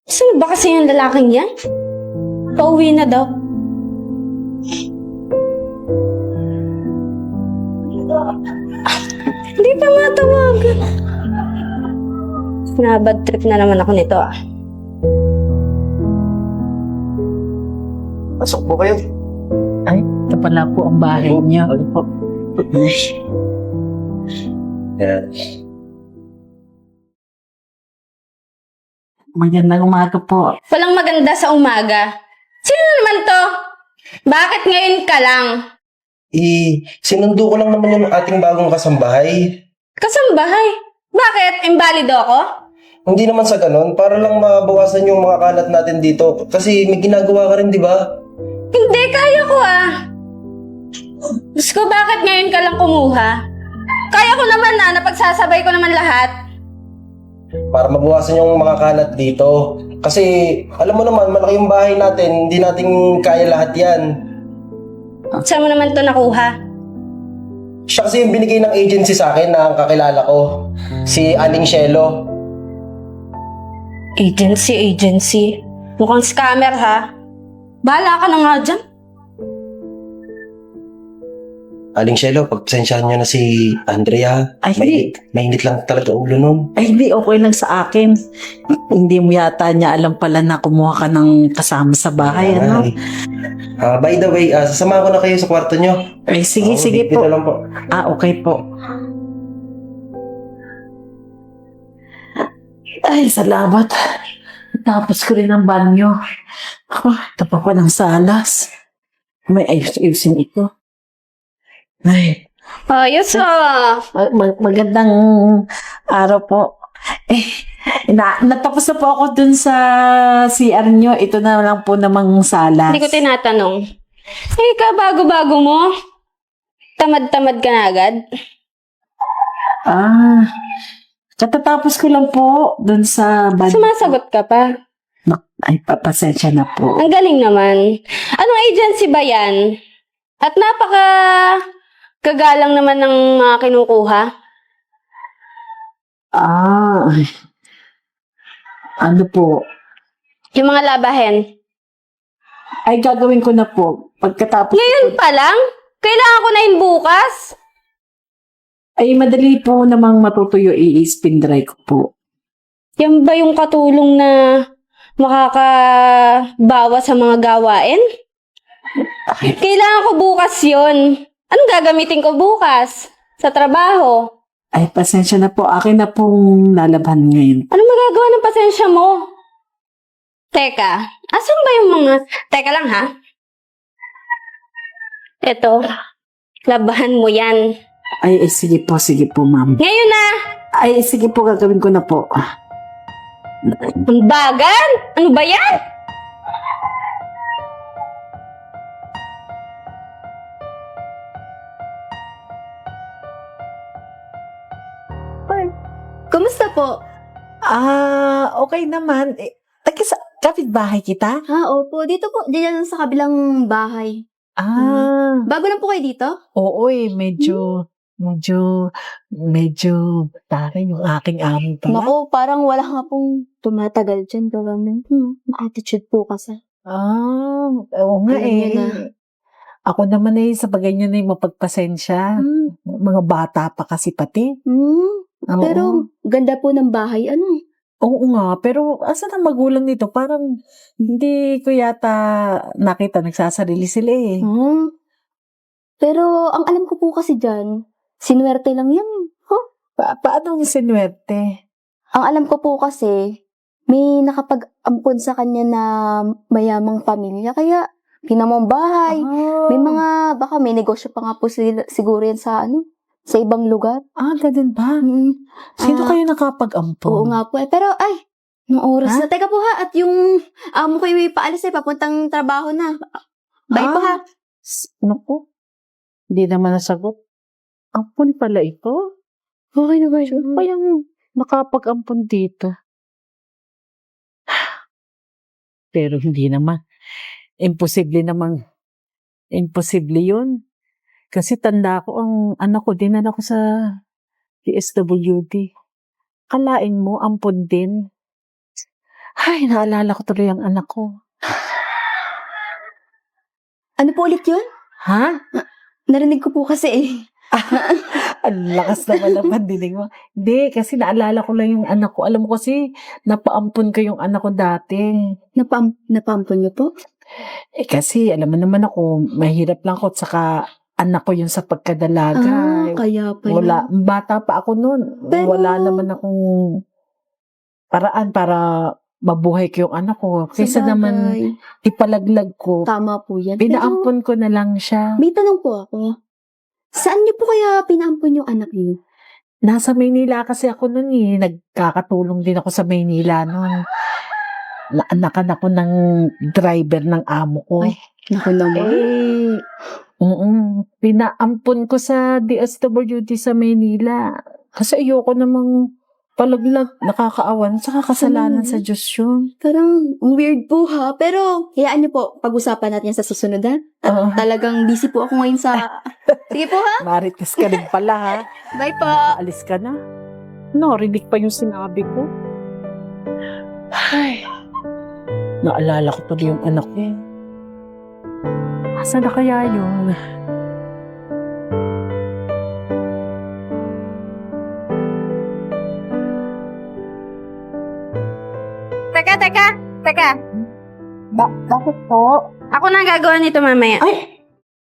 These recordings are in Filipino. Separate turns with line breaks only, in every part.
Saan ba kasi yung lalaking yan? Pauwi na daw. Hindi pa matawagan. Nabad trip na naman ako nito ah.
Pasok po kayo.
Ay, ito pala po ang bahay niyo.
Ano po? Yan.
Magandang umaga po.
Walang maganda sa umaga. Sino naman to? Bakit ngayon ka lang?
Sinundo ko lang naman yung ating bagong kasambahay.
Kasambahay? Bakit? Imbalido ako?
Hindi naman sa ganun, para lang mabawasan yung mga kalat natin dito. Kasi may ginagawa ka rin, di ba?
Hindi, kaya ko ah. Diyos ko, bakit ngayon ka lang kumuha? Kaya ko naman na, napagsasabay ko naman lahat.
Para mabawasan yung mga kalat dito. Kasi, alam mo naman, malaki yung bahay natin, hindi natin kaya lahat yan.
Saan mo naman to nakuha?
Siya kasi yung binigay ng agency sa akin na ang kakilala ko. Si Aling Shelo.
Agency. Mukhang scammer ha. Bahala ka na nga dyan.
Aling Shelo, pagpasensyahan niyo na si Andrea.
Ay, hindi.
Mainit lang talaga ulo nun.
Ay, hindi. Okay lang sa akin. Hindi mo yata niya alam pala na kumuha ka ng kasama sa bahay, ano?
By the way, sasamahan ko na kayo sa kwarto niyo.
Ay, sige
Dito
po.
lang po.
Okay po. Ay, salamat. Tapos ko rin ang banyo. Ako, ito pa pa ng salas. May ayos-ayusin ito. Ay,
Ayos ah.
magandang araw po. Natapos na po ako dun sa CR nyo. Ito na lang po namang salas.
Hindi ko tinatanong. Eh, bago-bago mo. Tamad-tamad ka na agad.
Katatapos ko lang po dun sa
Sumasagot ka pa.
Ay, papasensya na po.
Ang galing naman. Anong agency ba yan? At kagalang naman ng mga kinukuha.
Ano po?
Yung mga labahen.
Ay, gagawin ko na po. Pagkatapos
Ngayon pa lang? Kailangan ko na yun bukas?
ay, madali po namang matutuyo i-spin dry ko po.
Yan ba yung katulong na makakabawa sa mga gawain? Kailangan ko bukas yon. Anong gagamitin ko bukas? Sa trabaho?
Ay, pasensya na po. Akin na pong lalaban ngayon.
Anong magagawa ng pasensya mo? Teka, asan ba yung mga... Teka lang ha. Eto, labahan mo yan.
Ay, sige po, ma'am.
Ngayon na!
Ay, sige po, gagawin ko na po.
Ang bagal! Ano ba yan?
Kumusta po?
Okay naman. Kapit-bahay kita?
Opo. Dito po, diyan sa kabilang bahay. Bago lang po kayo dito?
Oo medyo taray yung aking amo pala.
Naku, parang wala nga pong tumatagal dyan. Gawin. Attitude po kasi.
Oo nga
Alam niyo na.
Ako naman sa bagay niya na yung mapagpasensya. Mga bata pa kasi pati. Oo.
Pero, ganda po ng bahay. Ano?
Oo nga, pero asan ang magulang nito? Parang hindi ko yata nakita nagsasarili sila eh.
Pero, ang alam ko po kasi dyan, sinuwerte lang yan.
Paano ang sinuwerte?
Ang alam ko po kasi, may nakapag-ampon sa kanya na mayamang pamilya. Kaya, pinamang bahay. May mga, baka may negosyo pa nga po siguro yan sa sa ibang lugar.
Ganun ba? Sino kayo nakapag-ampon?
Oo nga po. Pero, nung oras na. Teka po ha, at yung amo ko yung paalis papuntang trabaho na. Bye po ha.
Naku, hindi naman nasagot. Ampon pala ito?
Okay na ba
Sino kayang nakapag-ampon dito? Pero hindi naman. Imposible yun. Kasi tanda ko, ang anak ko, dinala ko sa DSWD. Kalain mo, ampon din. Ay, naalala ko tuloy ang anak ko.
Ano po ulit yun?
Ha?
Narinig ko po kasi eh.
Ang lakas naman ng pandinig mo. Hindi, kasi naalala ko lang yung anak ko. Alam mo kasi, napaampun ko yung anak ko dati.
Napampon niyo po?
Eh kasi, alam mo naman ako, mahirap lang ako. Saka, anak ko yun sa pagkadalaga.
Kaya pala.
Wala, bata pa ako noon.
Pero-
Wala naman akong paraan para mabuhay ko yung anak ko. Kaysa
Sabagay.
naman, ipalaglag ko.
Tama po yan.
Pinaampun ko na lang siya.
Pero, may tanong po ako. Saan niyo po kaya pinaampon yung anak niyo?
Nasa Maynila kasi ako noon eh. Nagkakatulong din ako sa Maynila noon. Naanakan ako ng driver ng amo ko.
Ay, naku naman.
Pinaampun ko sa DSWD sa Maynila. Kasi ayoko namang palaglag, nakakaawan, saka kasalanan sa Diyos yun.
Parang weird po ha. Pero, hayaan niyo po, pag-usapan natin yan sa susunod ha.
Oo.
Talagang busy po ako ngayon sa... Sige po ha.
Marites ka rin pala ha.
Bye po.
Alis ka na. Narinig pa yung sinabi ko. Ay, naalala ko tuloy yung anak ko. Asa na kaya yun?
Teka.
Bakit po?
Ako na ang gagawa nito mamaya.
Ay!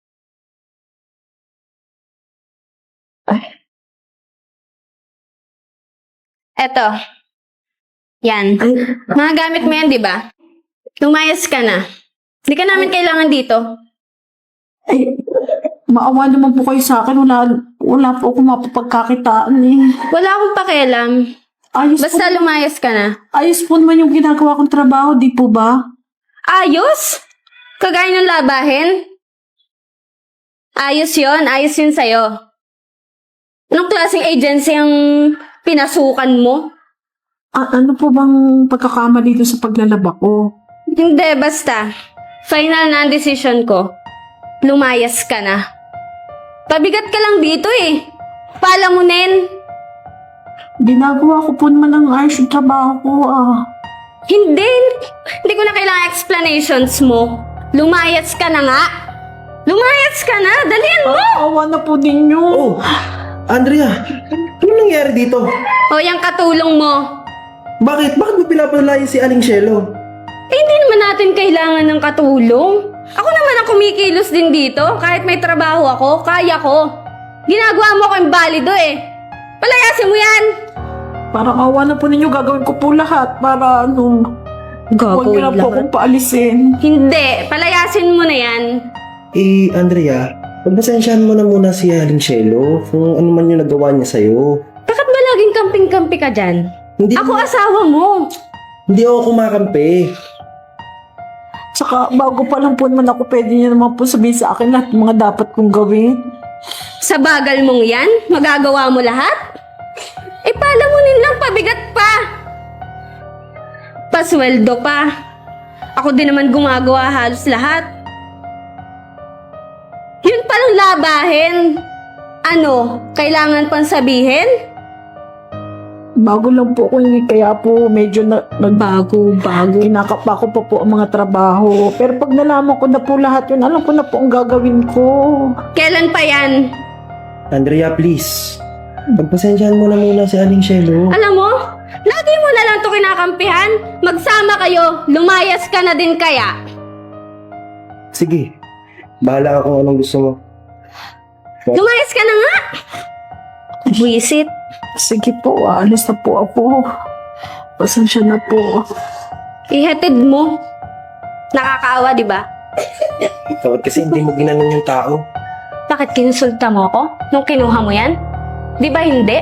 Eto. Yan.
Ay,
Mga gamit mo yan, di ba? Lumayas ka na. Hindi ka namin kailangan dito.
ay, maawa naman po kayo sa akin. Wala po ako mapapagkakitaan eh.
Wala akong pakialam. Basta lumayas ka na.
Ayos po naman yung ginagawa kong trabaho, di po ba?
Ayos? Kagaya ng labahin? Ayos yun sa'yo. Anong klaseng agency ang pinasukan mo?
Ano po bang pagkakama dito sa paglalaba ko?
Hindi, basta. Final na ang decision ko. Lumayas ka na. Pabigat ka lang dito eh. Palamunin.
Ginagawa ko po naman ang ayos yung trabaho ko
Hindi ko na kailangan explanations mo. Lumayas ka na nga. Lumayas ka na. Dalian mo.
Awa na po ninyo.
Oh, Andrea, ano nangyari dito?
O, yung katulong mo.
Bakit? Bakit mo pinapalaya si Aling Shelo?
Hindi naman natin kailangan ng katulong. Ako naman ang kumikilos din dito. Kahit may trabaho ako, kaya ko. Ginagawa mo ko imbalido eh. Palayasin mo yan.
Parang awa na po ninyo, gagawin ko po lahat para huwag niyo na po akong paalisin.
Hindi, palayasin mo na yan.
Andrea, pagpasensyahan mo na muna si Aling Shelo kung ano man yung nagawa niya sa'yo.
Bakit ba laging kamping-kampi ka dyan?
Hindi
Ako asawa mo.
Hindi ako kumakampi.
Saka bago pa lang po naman ako, pwede niya naman po sabihin sa akin lahat ng mga dapat kong gawin.
Sa bagal mong yan, magagawa mo lahat? Eh, palamunin lang, pabigat pa. Pasweldo pa. Ako din naman gumagawa halos lahat. Yun palang labahin. Ano, kailangan pang sabihin?
Bago lang po ako kaya po medyo
Bago.
kinakapa ko pa po ang mga trabaho. Pero pag nalaman ko na po lahat yun, alam ko na po ang gagawin ko.
Kailan pa yan?
Andrea, please. Pagpasensyahan mo na muna si Aling Shelo.
Alam mo, lagi mo na lang to kinakampihan. Magsama kayo, lumayas ka na din kaya.
Sige. Bahala ka kung anong gusto mo.
Lumayas ka na nga. Buisit.
Sige po, aalis na po ako. Pasensya na po.
Ihatid mo. Nakakaawa, di ba?
Bakit kasi hindi mo ginanon yung tao?
Bakit kinsulta mo ako nung kinuha mo yan? Di ba hindi?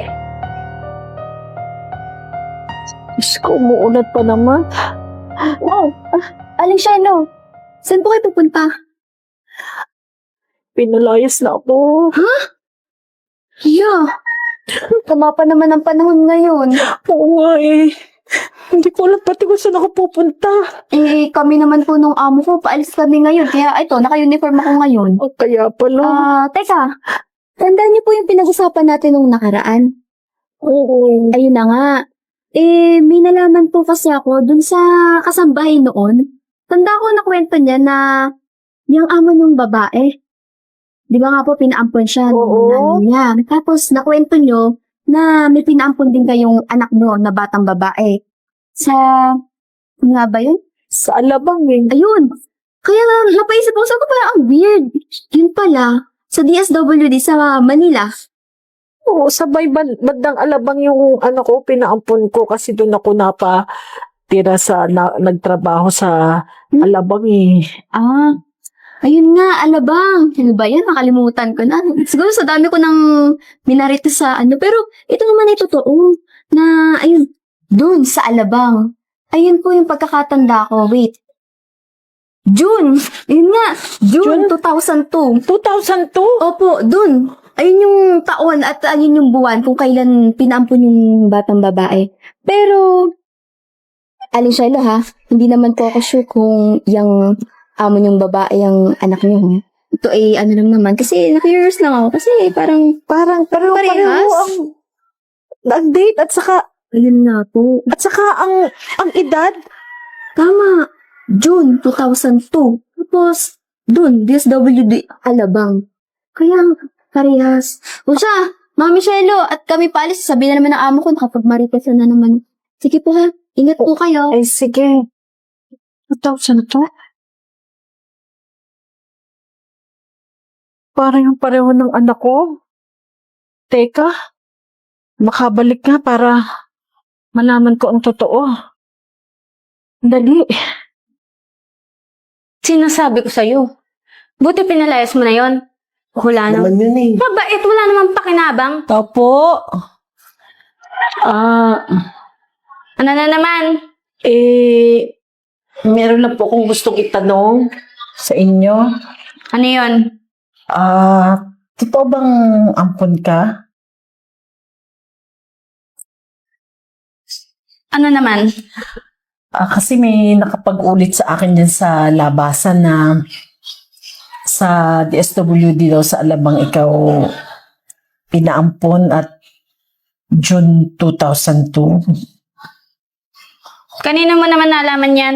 Diyos ko, umuulat pa naman.
Wow. Aling Shelo, saan po kayo pupunta?
Pinalayas na ako.
Yeah. Tama pa naman ang panahon ngayon.
Oo nga eh. Hindi ko alam pati kung saan ako pupunta.
Eh, kami naman po nung amo ko, paalis kami ngayon. Kaya ito, naka-uniform ako ngayon.
O kaya pala.
Teka. Tandaan niyo po yung pinag-usapan natin nung nakaraan.
Oo.
Ayun na nga. may nalaman po kasi ako dun sa kasambahay noon. Tanda ko na kwento niya na yung amo ng babae. Di ba nga po, pinaampon siya ng
Oo.
nanay niya. Tapos, nakwento nyo na may pinaampon din kayong anak nyo na batang babae. Sa, ano nga ba yun?
Sa Alabang eh.
Ayun. Kaya napaisip ako, sabi ko parang ang weird. Yun pala, sa DSWD sa Manila.
Oo, sabay bandang Alabang yung ko, pinaampon ko kasi doon ako tira nagtrabaho sa Alabang eh.
Ah, ayun nga, Alabang. Ano ba yan? Nakalimutan ko na. Siguro sa dami ko nang minarito sa pero ito naman ay totoo na, ayun, dun sa Alabang. Ayun po yung pagkakatanda ko. Wait. June. Ayun nga. June 2002.
2002?
Opo, dun. Ayun yung taon at ayun yung buwan kung kailan pinaampon yung batang babae. Pero, Aling Shiloh ha, hindi naman po ako sure kung yung amo yung babae yung anak niyo. Ito ay ano lang naman. Kasi na-curious lang ako. Kasi parang
Pareho
Parehas?
ang date at saka
ayun nga po.
ang edad.
Tama. June 2002. Tapos, dun, DSWD Alabang. Kaya, parehas. O siya, Mami Shelo, at kami paalis, sabi na naman ng amo ko, nakapag-marites na naman. Sige po ha, ingat po kayo.
Ay, sige. 2002? Parang yung pareho ng anak ko. Teka, makabalik nga para malaman ko ang totoo. Dali.
Sinasabi ko sa'yo. Buti pinalayas mo na yon. Wala naman.
Naman yun eh.
Mabait, wala namang pakinabang.
Opo.
Ano na naman?
Meron lang po akong gustong itanong sa inyo.
Ano yon?
Totoo bang ampon ka?
Ano naman?
Kasi may nakapag-ulit sa akin dyan sa labasan na sa DSWD daw sa Alabang ikaw pinaampon at June 2002.
Kanino mo naman nalaman yan?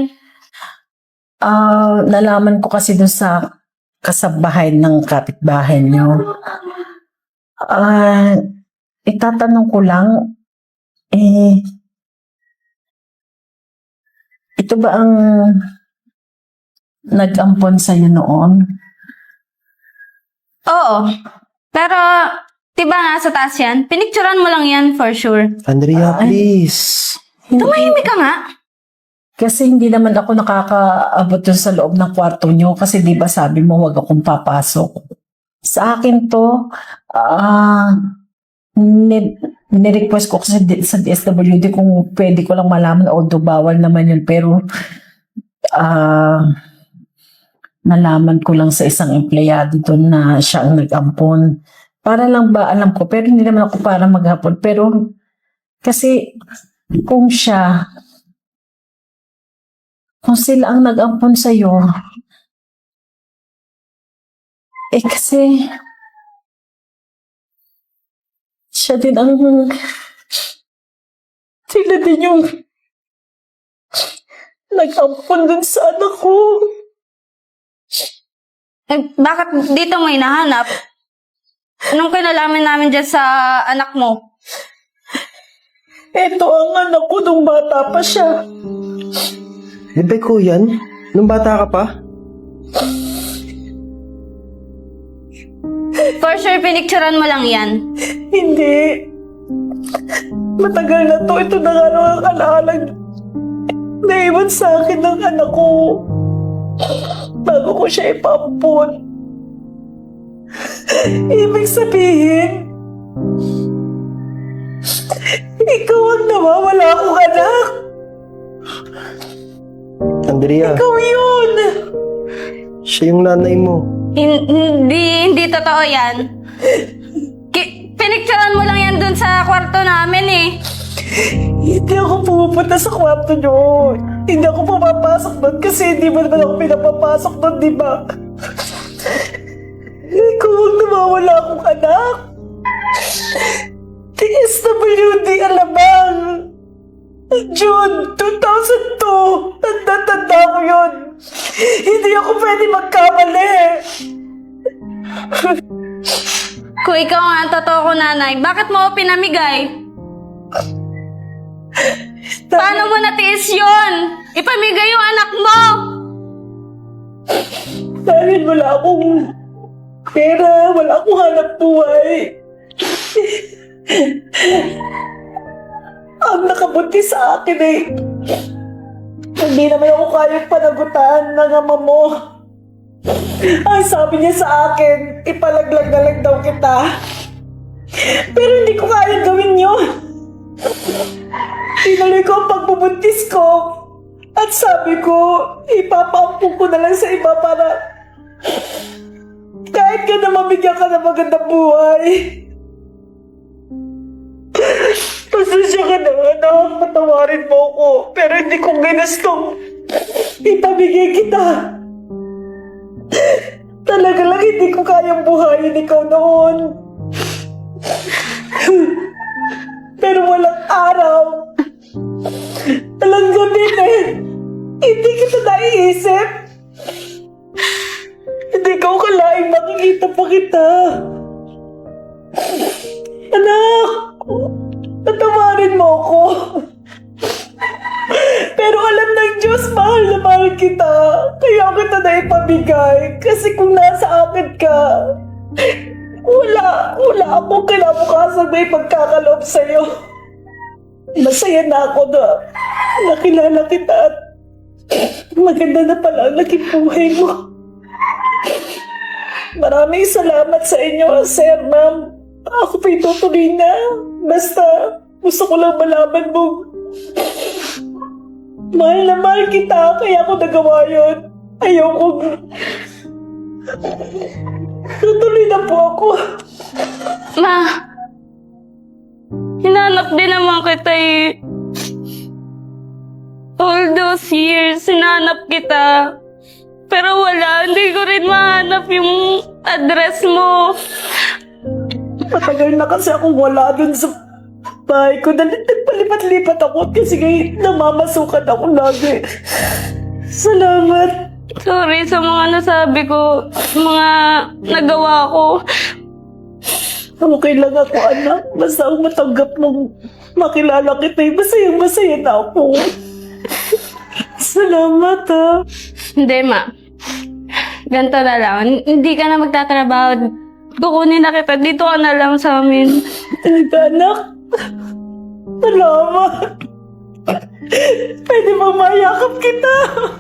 Nalaman ko kasi dun sa kasabahay ng kapitbahay nyo. Itatanong ko lang, ito ba ang nag-ampon sa'yo noon?
Oo. Pero, diba nasa taas yan? Pinicturan mo lang yan for sure.
Andrea, please.
Tumahimik ka nga.
Kasi hindi naman ako nakakaabot dun sa loob ng kwarto nyo kasi di ba sabi mo wag akong papasok. Sa akin to, nirequest ko kasi sa DSWD kung pwede ko lang malaman although bawal naman yun pero nalaman ko lang sa isang empleyado doon na siya ang nag-ampon. Para lang ba alam ko pero hindi naman ako para maghapon pero kasi kung sila ang nag-ampon sa'yo, kasi siya din sila din yung nag-ampon dun sa anak ko.
Bakit dito mo hinahanap? Anong kinalaman namin dyan sa anak mo?
Ito ang anak ko nung bata pa siya.
Di ko yan? Nung bata ka pa?
For sure, pinicturan mo lang yan.
Hindi. Matagal na to. Ito na nga lang ang alaalang naiwan sa akin ng anak ko. Bago ko siya ipaampon. Ibig sabihin, ikaw ang nawawala akong anak.
Andrea,
Ikaw yun.
siya yung nanay mo.
Hindi totoo yan. Pinicturan mo lang yan dun sa kwarto namin eh.
Hindi ako pupunta sa kwarto nyo. Hindi ako pumapasok doon kasi hindi mo naman ako pinapapasok doon, di ba? Ikaw ang nawawala akong anak. DSWD Alabang. June 2002. Tanda-tanda ko yun. Hindi ako pwede magkamali.
Kung ikaw nga ang totoo ko, nanay, bakit mo ako pinamigay? Paano mo natiis yun? Ipamigay yung anak mo!
Dahil wala akong pera, wala akong hanap buhay. Ang nakabuti sa akin eh, hindi naman ako kayang panagutan ng ama mo. Ang sabi niya sa akin, ipalaglag na lang daw kita. Pero hindi ko kaya gawin yun. Tinuloy ko ang pagbubuntis ko. At sabi ko, ipapaampun ko na lang sa iba para kahit ka na mabigyan ka ng magandang buhay. Pasensya ka na, anak. Patawarin mo ko. Pero hindi ko ginustong ipamigay kita. Talaga lang hindi ko kayang buhayin ikaw noon. Pero walang araw. Walang gabi eh. Hindi kita naiisip. Hindi ko kalaing makikita pa kita. Anak, patawarin mo ako. Pero alam ng Diyos, mahal na mahal kita. Kaya kita na ipamigay. Kasi kung nasa akin ka, wala akong kinabukasan may pagkakaloob sa'yo. Masaya na ako na nakilala kita at maganda na pala ang naging buhay mo. Maraming salamat sa inyo, sir, ma'am. Ako pa'y tutuloy na. Basta gusto ko lang malaman mo. Mahal na mahal kita, kaya ako nagawa yun. Ayoko. Tutuloy na po ako.
Ma, hinanap din naman kita eh. All those years, hinanap kita. Pero wala, hindi ko rin mahanap yung address mo.
Matagal na kasi akong wala dun sa bahay ko. Nagpalipat-lipat ako kasi namamasukan ako lagi. Salamat.
Sorry sa mga nasabi ko, mga nagawa ko.
Okay lang ako, anak. Basta ang matanggap mong makilala kita, masayang-masaya na ako. Salamat, ha.
Hindi, ma. Ganito na lang. Hindi ka na magtatrabaho. Kukunin na kita. Dito ka na lang sa amin.
Talaga, anak. Salamat. Pwede bang mayakap kita?